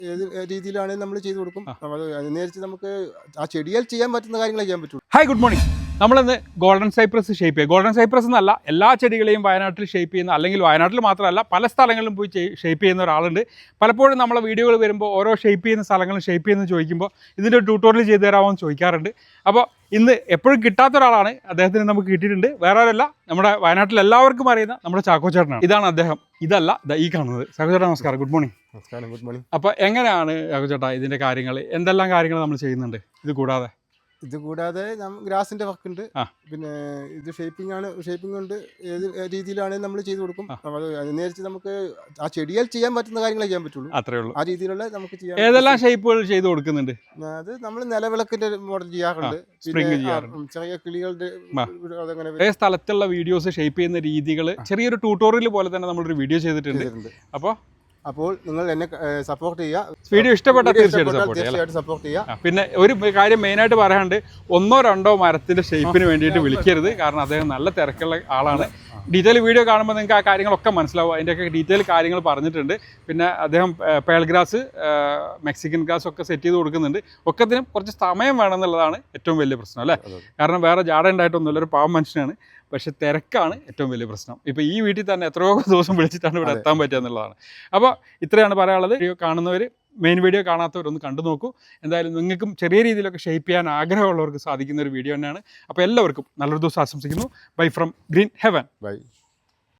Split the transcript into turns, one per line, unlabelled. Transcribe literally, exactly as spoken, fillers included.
ഏത് രീതിയിലാണെങ്കിൽ നമ്മൾ ചെയ്തു കൊടുക്കും. നേരിച്ച് നമുക്ക് ആ ചെടിയാൽ ചെയ്യാൻ പറ്റുന്ന കാര്യങ്ങളെ ചെയ്യാൻ പറ്റുള്ളൂ.
Hi, good morning. നമ്മളിന്ന് ഗോൾഡൻ സൈപ്രസ് ഷേപ്പ് ചെയ്യുക. ഗോൾഡൻ സൈപ്രസ് എന്നല്ല, എല്ലാ ചെടികളെയും വയനാട്ടിൽ ഷേപ്പ് ചെയ്യുന്ന, അല്ലെങ്കിൽ വയനാട്ടിൽ മാത്രമല്ല പല സ്ഥലങ്ങളിലും പോയി ഷേപ്പ് ചെയ്യുന്ന ഒരാളുണ്ട്. പലപ്പോഴും നമ്മളെ വീഡിയോകൾ വരുമ്പോൾ ഓരോ ഷേപ്പ് ചെയ്യുന്ന സ്ഥലങ്ങളും ഷേപ്പ് ചെയ്യുന്ന ചോദിക്കുമ്പോൾ ഇതിൻ്റെ ട്യൂട്ടോറിയൽ ചെയ്തു തരാമോ എന്ന് ചോദിക്കാറുണ്ട്. അപ്പോൾ ഇന്ന് എപ്പോഴും കിട്ടാത്ത ഒരാളാണ്, അദ്ദേഹത്തിന് നമുക്ക് കിട്ടിയിട്ടുണ്ട്. വേറെ ആരല്ല, നമ്മുടെ വയനാട്ടിൽ എല്ലാവർക്കും അറിയുന്ന നമ്മുടെ ചാക്കോ ചേട്ടനാണ്. ഇതാണ് അദ്ദേഹം, ഇതല്ല ഈ കാണുന്നത്. ചാക്കോ ചേട്ടാ നമസ്കാരം, ഗുഡ് മോർണിംഗ്.
നമസ്കാരം, ഗുഡ് മോർണിംഗ്.
അപ്പോൾ എങ്ങനെയാണ് ചാക്കോ ചേട്ടാ ഇതിൻ്റെ കാര്യങ്ങൾ, എന്തെല്ലാം കാര്യങ്ങൾ നമ്മൾ ചെയ്യുന്നുണ്ട് ഇത് കൂടാതെ?
ഇത് കൂടാതെ ഗ്രാസിന്റെ വർക്ക് ഉണ്ട്, പിന്നെ ഇത് ഷേപ്പിംഗ് ആണ്. ഷേപ്പിംഗ് കൊണ്ട് ഏത് രീതിയിലാണെങ്കിൽ നമ്മൾ ചെയ്തു കൊടുക്കും. നേരിച്ച് നമുക്ക് ആ ചെടിയാൽ ചെയ്യാൻ പറ്റുന്ന കാര്യങ്ങളെ ചെയ്യാൻ പറ്റുള്ളൂ.
അത്രേ ഉള്ളൂ.
ആ രീതിയിലുള്ള നമുക്ക് ചെയ്യാം.
ഏതെല്ലാം ഷേപ്പുകൾ ചെയ്തു കൊടുക്കുന്നുണ്ട്?
അത് നമ്മൾ നിലവിളക്കിന്റെ മോഡൽ ചെയ്യാറുണ്ട്, ചെറിയ കിളികളുടെ
അതേ സ്ഥലത്തുള്ള വീഡിയോസ് ഷേപ്പ് ചെയ്യുന്ന രീതികൾ ചെറിയൊരു ട്യൂട്ടോറിയൽ പോലെ തന്നെ നമ്മളൊരു വീഡിയോ ചെയ്തിട്ടുണ്ട്. അപ്പോൾ
അപ്പോൾ നിങ്ങൾ എന്നെ സപ്പോർട്ട് ചെയ്യുക.
വീഡിയോ ഇഷ്ടപ്പെട്ടാൽ തീർച്ചയായിട്ടും
സപ്പോർട്ട് ചെയ്യുക.
പിന്നെ ഒരു കാര്യം മെയിനായിട്ട് പറയാണ്ട്, ഒന്നോ രണ്ടോ മരത്തിന്റെ ഷേപ്പിന് വേണ്ടിയിട്ട് വിളിക്കരുത്. കാരണം അദ്ദേഹം നല്ല തിരക്കുള്ള ആളാണ്. ഡീറ്റെയിൽ വീഡിയോ കാണുമ്പോൾ നിങ്ങൾക്ക് ആ കാര്യങ്ങളൊക്കെ മനസ്സിലാവും. അതിൻ്റെയൊക്കെ ഡീറ്റെയിൽ കാര്യങ്ങൾ പറഞ്ഞിട്ടുണ്ട്. പിന്നെ അദ്ദേഹം പേൾ ഗ്രാസ്, മെക്സിക്കൻ ഗ്രാസ് ഒക്കെ സെറ്റ് ചെയ്ത് കൊടുക്കുന്നുണ്ട്. ഒക്കത്തിനും കുറച്ച് സമയം വേണമെന്നുള്ളതാണ് ഏറ്റവും വലിയ പ്രശ്നം അല്ലേ? കാരണം വേറെ ജാട ഉണ്ടായിട്ടൊന്നുമില്ല, ഒരു പാവം മനുഷ്യനാണ്. പക്ഷെ തിരക്കാണ് ഏറ്റവും വലിയ പ്രശ്നം. ഇപ്പോൾ ഈ വീട്ടിൽ തന്നെ എത്രയോ ദിവസം വിളിച്ചിട്ടാണ് ഇവിടെ എത്താൻ പറ്റുക എന്നുള്ളതാണ്. അപ്പോൾ ഇത്രയാണ് പറയാനുള്ളത്. വീഡിയോ കാണുന്നവർ, മെയിൻ വീഡിയോ കാണാത്തവരൊന്ന് കണ്ടു നോക്കൂ. എന്തായാലും നിങ്ങൾക്കും ചെറിയ രീതിയിലൊക്കെ ഷേപ്പ് ചെയ്യാൻ ആഗ്രഹമുള്ളവർക്ക് സാധിക്കുന്ന ഒരു വീഡിയോ തന്നെയാണ്. അപ്പോൾ എല്ലാവർക്കും നല്ലൊരു ദിവസം ആശംസിക്കുന്നു. Bye from green heaven.
By.